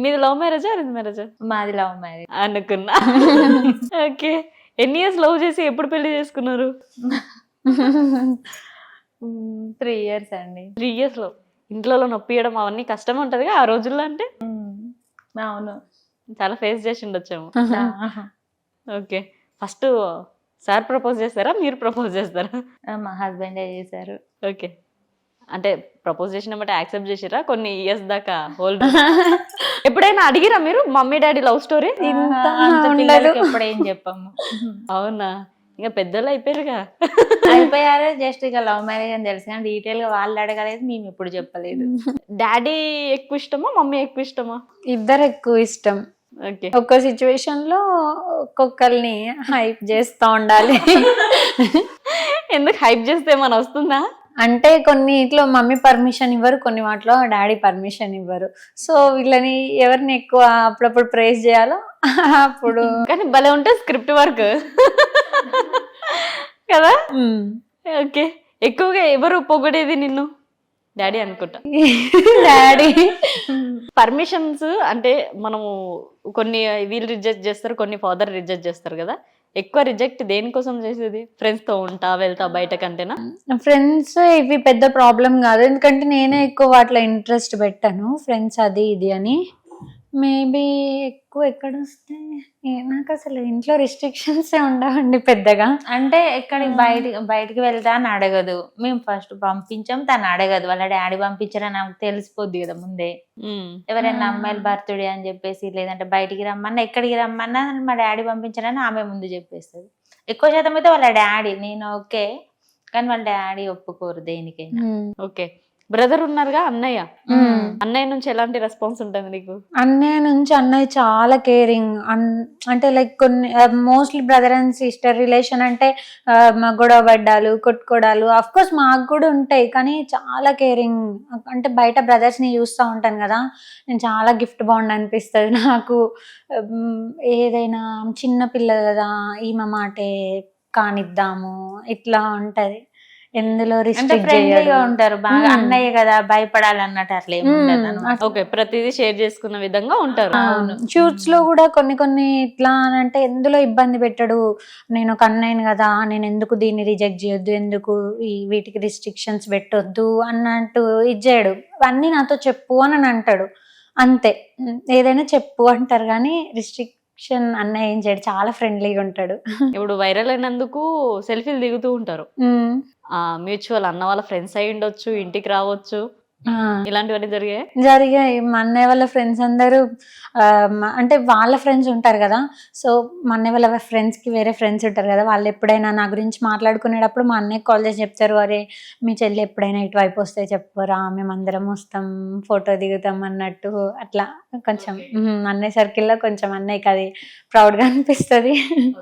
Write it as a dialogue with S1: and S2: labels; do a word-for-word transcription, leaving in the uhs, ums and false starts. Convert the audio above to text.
S1: మీది లవ్ మ్యారేజా అరేంజ్ మ్యారేజా?
S2: మాది లవ్ మ్యారేజ్.
S1: అనుకున్నా. ఓకే. ఎన్ని ఇయర్స్ లవ్ చేసి ఎప్పుడు పెళ్లి చేసుకున్నారు?
S2: త్రీ ఇయర్స్ అండి.
S1: త్రీ ఇయర్స్ లో ఇంట్లో నొప్పియడం అవన్నీ కష్టం ఉంటదిగా ఆ రోజుల్లో. అంటే
S2: అవును,
S1: చాలా ఫేస్ చేసి ఉండొచ్చేమో. ఓకే. ఫస్ట్ సార్ ప్రపోజ్ చేస్తారా మీరు ప్రపోజ్ చేస్తారా?
S2: మా హస్బెండే చేశారు.
S1: ఓకే. అంటే ప్రపోజ్ చేసిన బట్టి యాక్సెప్ట్ చేసిరా కొన్ని ఇయర్స్ దాకా హోల్డ్? ఎప్పుడైనా అడిగిరా మీరు మమ్మీ డాడీ లవ్ స్టోరీ?
S2: ఇంత అంత పిల్లలకి ఎప్పుడేం చెప్పాము.
S1: అవునా? ఇంకా పెద్దలు అయిపోయారుగా.
S2: అయిపోయారు. జస్ట్ ఇక లవ్ మ్యారేజ్ అని తెలుసు కానీ డీటెయిల్ గా వాళ్ళు అడగలేదు, మేము ఎప్పుడు చెప్పలేదు.
S1: డాడీ ఎక్కువ ఇష్టమా మమ్మీ ఎక్కువ ఇష్టమా?
S3: ఇద్దరు ఎక్కువ ఇష్టం.
S1: ఓకే.
S3: ఒక్కో సిచ్యువేషన్ లో ఒక్కొక్కరిని హైప్ చేస్తా ఉండాలి.
S1: ఎందుకు హైప్ చేస్తే ఏమైనా వస్తుందా?
S3: అంటే కొన్నిట్లో మమ్మీ పర్మిషన్ ఇవ్వరు, కొన్ని వాటిలో డాడీ పర్మిషన్ ఇవ్వరు. సో వీళ్ళని ఎవరిని ఎక్కువ అప్పుడప్పుడు ప్రేజ్ చేయాలో అప్పుడు.
S1: కానీ భలే ఉంటుంది స్క్రిప్ట్ వర్క్ కదా. ఓకే. ఎక్కువగా ఎవరు పొగిడేది నిన్ను? డాడీ అనుకుంటా.
S3: డాడీ
S1: పర్మిషన్స్ అంటే మనము కొన్ని వీళ్ళు రిజెక్ట్ చేస్తారు, కొన్ని ఫాదర్ రిజెక్ట్ చేస్తారు కదా. ఎక్కువ రిజెక్ట్ దేనికోసం చేసేది? ఫ్రెండ్స్ తో ఉంటా వెళ్తా బయట కంటేనా?
S3: ఫ్రెండ్స్ ఇవి పెద్ద ప్రాబ్లం కాదు, ఎందుకంటే నేనే ఎక్కువ వాటిలో ఇంట్రెస్ట్ పెట్టాను. ఫ్రెండ్స్ అది ఇది అని మేబీ ఎక్కువ ఎక్కడ వస్తే నాకు అసలు ఇంట్లో రిస్ట్రిక్షన్స్ ఉండవండి పెద్దగా.
S2: అంటే ఎక్కడికి బయటికి బయటికి వెళ్తా అని అడగదు. మేము ఫస్ట్ పంపించాం, తను అడగదు. వాళ్ళ డాడీ పంపించారని నాకు తెలిసిపోద్ది కదా ముందే. ఎవరైనా అమ్మాయిల బర్త్డే అని చెప్పేసి లేదంటే బయటికి రమ్మన్నా ఎక్కడికి రమ్మన్నా మా డాడీ పంపించారని ఆమె ముందు చెప్పేస్తుంది. ఎక్కువ శాతం అయితే వాళ్ళ డాడీ. నేను ఓకే కానీ వాళ్ళ డాడీ ఒప్పుకోరు దేనికైనా.
S1: ఓకే. బ్రదర్ ఉన్నారుగా అన్నయ్య, అన్నయ్య నుంచి ఎలాంటి రెస్పాన్స్ ఉంటుంది నీకు?
S3: అన్నయ్య నుంచి అన్నయ్య చాలా కేరింగ్. అంటే లైక్ కొన్ని mostly brother and sister relation అంటే గొడవ పడ్డాలు కొట్టుకోవడాలు అఫ్ కోర్స్ మాకు కూడా ఉంటాయి, కానీ చాలా కేరింగ్. అంటే బయట బ్రదర్స్ ని చూస్తూ ఉంటాను కదా, నేను చాలా గిఫ్ట్ బాండ్ అనిపిస్తుంది నాకు. ఏదైనా చిన్న పిల్ల కదా ఈమె మాటే కానిద్దాము ఇట్లా ఉంటది. ఎందులో
S2: ఫ్రెండ్లీగా ఉంటారు బాగా. అన్నయ్య కదా భయపడాలన్నట్టు అట్లా ఏముండదు.
S1: ఓకే. ప్రతిదీ షేర్ చేసుకున్న విధంగా ఉంటారు.
S3: షూట్స్ లో కూడా కొన్ని కొన్ని ఇట్లా అంటే ఎందులో ఇబ్బంది పెట్టడు. నేను ఒక అన్నయ్యను కదా, నేను ఎందుకు దీన్ని రిజెక్ట్ చేయొద్దు, ఎందుకు ఈ వీటికి రిస్ట్రిక్షన్స్ పెట్టొద్దు అన్నట్టు ఇచ్చాడు. అన్నీ నాతో చెప్పు అని అంటాడు అంతే. ఏదైనా చెప్పు అంటారు కానీ రిస్ట్రిక్ట్ అన్నయ్య ఏం చేయడు, చాలా ఫ్రెండ్లీగా ఉంటాడు.
S1: ఇప్పుడు వైరల్ అయినందుకు సెల్ఫీలు దిగుతూ ఉంటారు. ఆ మ్యూచువల్ అన్న వాళ్ళ ఫ్రెండ్స్ అయి ఉండొచ్చు, ఇంటికి రావచ్చు, ఇలాంటివన్నీ జరిగాయి
S3: జరిగాయి మా అన్నయ్య వాళ్ళ ఫ్రెండ్స్ అందరూ అంటే వాళ్ళ ఫ్రెండ్స్ ఉంటారు కదా. సో మా అన్నయ్య వాళ్ళ ఫ్రెండ్స్ కి వేరే ఫ్రెండ్స్ ఉంటారు కదా, వాళ్ళు ఎప్పుడైనా నా గురించి మాట్లాడుకునేటప్పుడు మా అన్నయ్య కాల్ చేసి చెప్తారు, అరే మీ చెల్లి ఎప్పుడైనా ఇటువైపు వస్తే చెప్పురా, మేమందరం వస్తాం ఫోటో దిగుతాం అన్నట్టు. అట్లా కొంచెం అన్నయ్య సర్కిల్లో కొంచెం అన్నయ్యకి అది ప్రౌడ్గా అనిపిస్తుంది.